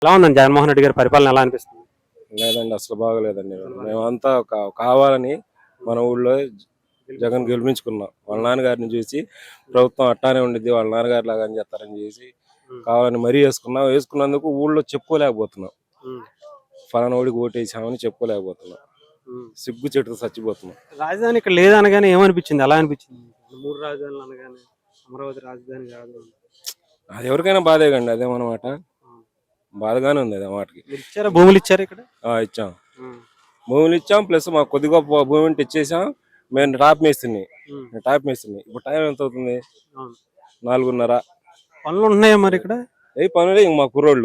ఎలా ఉందండి జగన్మోహన్ రెడ్డి గారి పరిపాలన ఎలా అనిపిస్తుంది? లేదండి, అసలు బాగలేదండి. మేమంతా కావాలని మన ఊళ్ళో జగన్ గెలిపించుకున్నాం. వాళ్ళ నాన్నగారిని చూసి ప్రభుత్వం అట్టానే ఉండిద్ది, వాళ్ళ నాన్నగారి లాగా అని చేస్తారని చేసి కావాలని మరీ వేసుకున్నందుకు ఊళ్ళో చెప్పుకోలేకపోతున్నాం. ఫలానా ఓడికి ఓటేసామని చెప్పుకోలేకపోతున్నాం. సిగ్గు చెట్టుతో చచ్చిపోతున్నాం. రాజధాని ఇక్కడ లేదనగానే ఏమనిపించింది? ఎలా అనిపించింది? 3 రాజధానులు అనగానే అమరావతి రాజధాని కాదు. అది ఎవరికైనా బాధే కండి, అదేమన్నమాట. బాధగానే ఉంది అది మాటకి. ఇచ్చారా? భూములు ఇచ్చారు ఇక్కడ? ఇచ్చాం, భూములు ఇచ్చాం. ప్లస్ మాకు కొద్ది గొప్ప భూమి ఉంటే ఇచ్చేసాం. మేము టాప్ మేస్తుంది. ఇప్పుడు టైం ఎంత అవుతుంది? 4:30. పనులు ఉంటున్నాయా మరి ఇక్కడ? ఏ పనులే ఇంక మా కుర్రోళ్ళు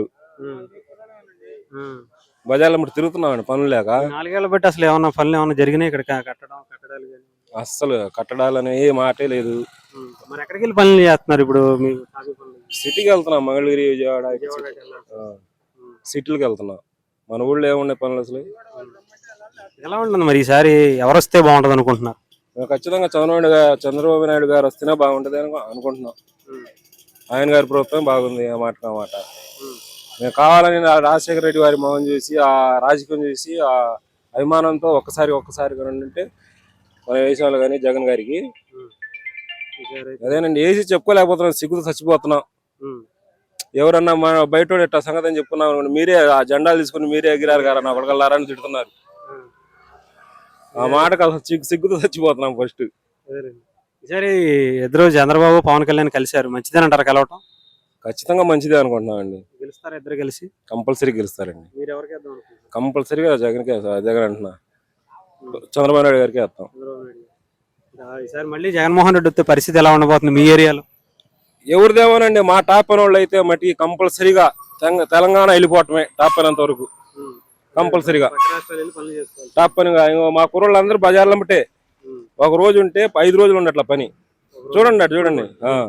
బజార్లో మరి తిరుగుతున్నామండి పనులు లేక. 4 ఏళ్ల బట్టి అసలు ఏమన్నా పనులు ఏమన్నా జరిగినాయి ఇక్కడ? కట్టడాలు అస్సలు కట్టడాలని ఏ మాటే లేదు. మరి ఎక్కడికి వెళ్ళి పనులు చేస్తున్నారు ఇప్పుడు? సిటీకి వెళ్తున్నాం, మంగళగిరి, విజయవాడ సిటీలకు వెళ్తున్నాం. మన ఊళ్ళో ఏమున్నాయి పనులు అసలు? ఎలా ఉంటుంది మరి ఈసారి? ఎవరు వస్తే బాగుంటది అనుకుంటున్నారు? ఖచ్చితంగా చంద్రబాబు నాయుడు గారు వస్తేనే బాగుంటది అనుకుంటున్నాం. ఆయన గారి ప్రభుత్వం బాగుంది, ఆ మాట. మేము కావాలని రాజశేఖర రెడ్డి వారి మొహం చూసి, ఆ రాజకీయం చూసి, ఆ అభిమానంతో ఒక్కసారి ఉంటే మన దేశంలో కానీ జగన్ గారికి అదేనండి వేసి చెప్పుకోలేకపోతున్నాం. సిగ్గుతో చచ్చిపోతున్నాం. ఎవరన్నా మన బయట ఇట్లా సంగతి అని చెప్పుకున్నాం, మీరే ఆ జెండాలు తీసుకుని మీరే ఎగిరారు కదా నా కొడగల్లారా అని తిడుతున్నారు. ఆ మాటకు అసలు సిగ్గుతో చచ్చిపోతున్నాం. ఫస్ట్ ఈసారి ఇద్దరు చంద్రబాబు పవన్ కళ్యాణ్ కలిశారు, మంచిదేనంటారు కలవటం? ఖచ్చితంగా మంచిదే అనుకుంటున్నాం అండి. గెలుస్తారా ఇద్దరు కలిసి? కంపల్సరీ గెలుస్తారండి. మీరు ఎవరికి వేద్దాం అనుకుంటున్నారు? కంపల్సరీగా జగన్ అంటున్నా, చంద్రబాబు నాయుడు గారికి వేస్తాం. ఈసారి మళ్ళీ జగన్మోహన్ రెడ్డి వస్తే పరిస్థితి ఎలా ఉండబోతుంది మీ ఏరియాలో? ఎవరిదేమోనండి, మా టాప్ అయిన వాళ్ళు అయితే మట్టి కంపల్సరీగా తెలంగాణ వెళ్ళిపోవటమే. టాప్ అయినంత వరకు కంపల్సరీగా టాప్ పనిగా. మా కుర్రోళ్ళు అందరూ బజార్లో బట్టే ఒక రోజు ఉంటే 5 రోజులు ఉండట్ల పని. చూడండి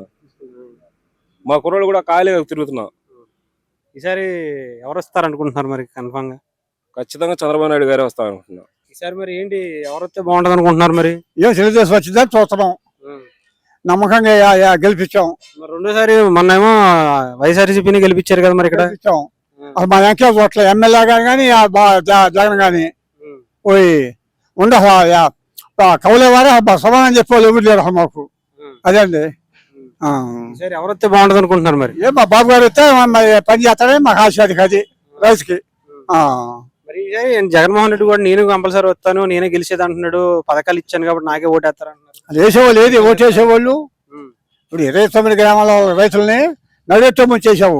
మా కుర్రోళ్ళు కూడా ఖాళీగా తిరుగుతున్నాం. ఈసారి ఎవరు వస్తారు అనుకుంటున్నారు మరి కన్ఫామ్ గా? ఖచ్చితంగా చంద్రబాబు నాయుడు గారే వస్తారు అనుకుంటున్నాం. ఈసారి మరి ఏంటి, ఎవరు వస్తే బాగుంటది అనుకుంటున్నారు? మరి తెలుగుదేశం వచ్చిందని చూస్తున్నాం, నమ్మకంగా గెలిపించాం. మరి రెండోసారి మొన్నేమో వైఎస్ఆర్సీపీని గెలిపించారు కదా మరి ఇక్కడ? అసలు మా వెంకయ్య చోట్ల ఎమ్మెల్యే కానీ జగన్ కానీ పోయి ఉండ కౌలేవారే సమాధానం చెప్పేవాళ్ళు ఎవరు లేరు మాకు. అదే అండి. ఎవరు వస్తే బాగుంటది అనుకుంటున్నారు మరి? మా బాబు గారు వస్తే పని చేస్తాడే మాకు ఆశ అది రైతుకి. మరి జగన్మోహన్ రెడ్డి కూడా నేను కంపల్సరీ వస్తాను, నేనే గెలిచేది అంటున్నాడు, పథకాలు ఇచ్చాను కాబట్టి నాకే ఓటేస్తారు అంటున్నారు. అది వేసేవాళ్ళు ఏది ఓటేసేవాళ్ళు. ఇప్పుడు 29 గ్రామాల రైతుల్ని నడితో ముంచేసావు.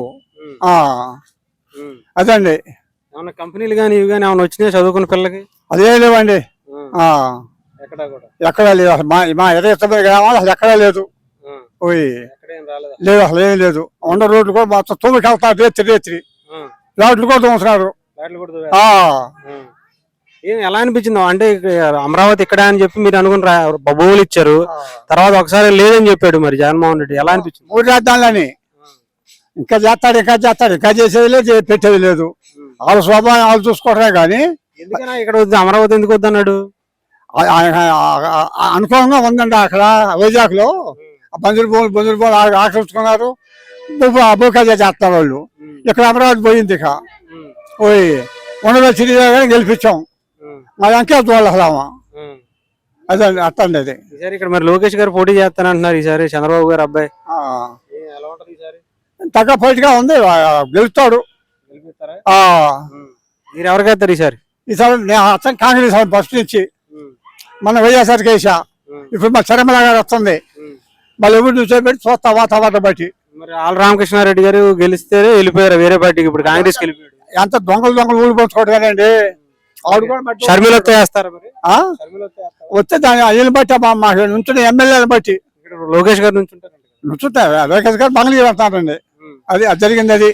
అదండి. ఏమన్నా కంపెనీలు కానీ ఇవి కానీ ఏమన్నా వచ్చినాయి చదువుకున్న పిల్లలకి? అదే లేవండి, ఎక్కడా లేదు. అసలు మా 29 గ్రామాలు అసలు ఎక్కడా లేదు. లేదు, అసలు ఏం లేదు. ఉండ రోడ్లు కూడా మొత్తం తొమ్మిది వెళ్తారు, రేత్రి రోడ్లు కూడా తోముతున్నారు. ఎలా అనిపించింది? అంటే అమరావతి ఇక్కడ అని చెప్పి మీరు అనుకుని భూములు ఇచ్చారు, తర్వాత ఒకసారి లేదని చెప్పాడు మరి జగన్మోహన్ రెడ్డి. ఎలా అనిపించింది? 3 రాజధానులని ఇంకా చేస్తాడు, ఇంకా చేసేది లేదు, పెట్టేది లేదు. వాళ్ళ స్వభావం వాళ్ళు చూసుకోవడమే కానీ. ఎందుకన్నా ఇక్కడ వద్దు, అమరావతి ఎందుకు వద్దన్నాడు? అనుకూలంగా ఉందండి అక్కడ వైజాగ్ లో. బంధువులు భూములు ఆక్రమించుకున్నారు, భూకజ చేస్తారు వాళ్ళు. ఇక్కడ అమరావతి పోయింది. ఇక పోయి ఉండలో చిరిగా గెలిపించాం. మా వెంకయ్య చూడాలమ్మా. అదే అట్టండి. అది ఈసారి ఇక్కడ మరి లోకేష్ గారు పోటీ చేస్తానంటున్నారు ఈసారి, చంద్రబాబు గారు అబ్బాయి. తగ్గ పోటీగా ఉంది, గెలుస్తాడు. మీరు ఎవరికి వేస్తారు ఈసారి? ఈసారి కాంగ్రెస్ ఫస్ట్ నుంచి మన వైఎస్ఆర్కి వేసా. ఇప్పుడు మా చరమల గారు వస్తుంది, మళ్ళీ ఎవరు చూసేపెట్టి చూస్తా వాతావరణం బట్టి. మరి ఆల్ రామకృష్ణారెడ్డి గారు గెలిస్తే వెళ్ళిపోయారు వేరే పార్టీకి, ఇప్పుడు కాంగ్రెస్ వెళ్ళిపోయాడు. ఎంత దొంగలు ఊడిపోతుకోవడం కదండి. షర్మిల వస్తే వేస్తారు మరి? వస్తే దాని అయ్యని బట్టి మాకు నుంచున్న ఎమ్మెల్యేని బట్టి. లోకేష్ గారు నుంచుంటారు, లోకేష్ గారు మంగళగిరి వెళ్తారండి. అది జరిగింది. అది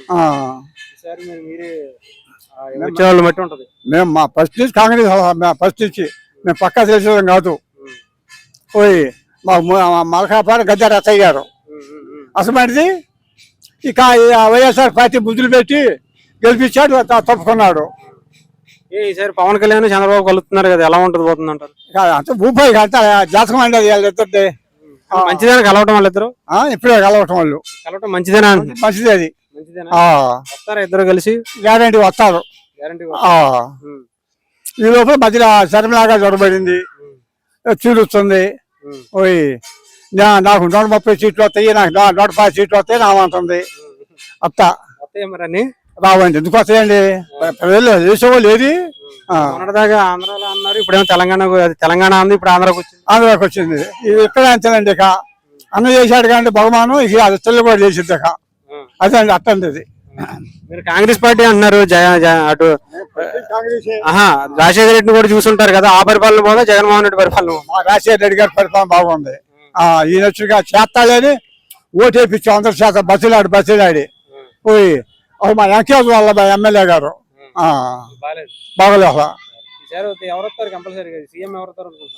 మేము మా ఫస్ట్ నుంచి కాంగ్రెస్, ఫస్ట్ నుంచి మేము పక్కా తెలిసేది కాదు. పోయి మా మలకాపాడు గద్దె రత్తయ్య గారు అసలు ఇక వైఎస్ఆర్ పార్టీ బుద్ధులు పెట్టి గెలిపించాడు, తప్పుకున్నాడు. ఈసారి పవన్ కళ్యాణ్ చంద్రబాబు కలుస్తున్నారు కదా, ఎలా ఉంటుంది పోతుంది అంటారు? అంత భూపాయి అంత జాతకం అండి అది. వాళ్ళిద్దరిది మంచిదేనా కలవటం? వాళ్ళిద్దరు ఇప్పుడే కలవటం, వాళ్ళు కలవటం మంచిదేనా? మంచిదే. అది మంచిదేనా? ఆ, వస్తారా ఇద్దరు కలిసి? గ్యారంటీ వస్తారు. గ్యారంటీ. ఆ, ఈ లోపల మధ్యలో శర్మలాగా జ్వరపడింది, చీరుస్తుంది. ఓయ్ నాకు 130 సీట్లు వస్తాయి, నాకు 150 సీట్లు వస్తాయి నామంటుంది. అత్త వస్తాయి మరి అన్ని? రావండి, ఎందుకు వస్తాయండి? ప్రజలు వేసేవాళ్ళు ఏది మొన్నటిదాకా ఆంధ్రాలో అన్నారు, ఇప్పుడేమో తెలంగాణ ఉంది, ఇప్పుడు ఆంధ్రాకి వచ్చింది. ఆంధ్రాకి వచ్చింది. ఇది ఎక్కడ అంతేనండి. ఇక అన్న చేశాడు కానీ బహుమానం ఇక అది తెల్ల కూడా చేసింది. ఇక అదే అండి, అట్టండి ఇది. మీరు కాంగ్రెస్ పార్టీ అంటున్నారు, అటు రాజశేఖర రెడ్డిని కూడా చూసుంటారు కదా, ఆ పరిపాలన పోదా జగన్మోహన్ రెడ్డి పరిపాలన? మా రాజశేఖర రెడ్డి గారి పరిపాలన బాగుంది. ఈయన వచ్చిగా చేస్తాడని ఓటేపించాం, అందరి చేత బస్సులాడి పోయి మా వెంకటేశ్వర వాళ్ళ ఎమ్మెల్యే గారు బాగలేదు. ఎవరు వస్తారు కంపల్సరీగా? సీఎం ఎవరు వస్తారు అనుకుంటున్నారు?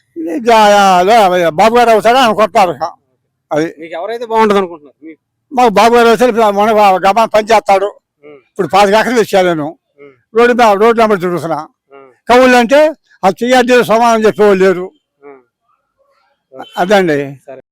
బాబు గారు అవుతారా అని కొట్టారు. అది మీకు ఎవరైతే బాగుంటుంది అనుకుంటున్నారు? మాకు బాబు గారు వస్తే మన గమనం పని చేస్తాడు. ఇప్పుడు 5 ఎకరాలు ఇచ్చాను నేను, రోడ్డు నెంబర్ తిరుగుతున్నా. కవులు అంటే అది చెయ్యాలి సమానం చెప్పేవాళ్ళు లేరు. అదండి.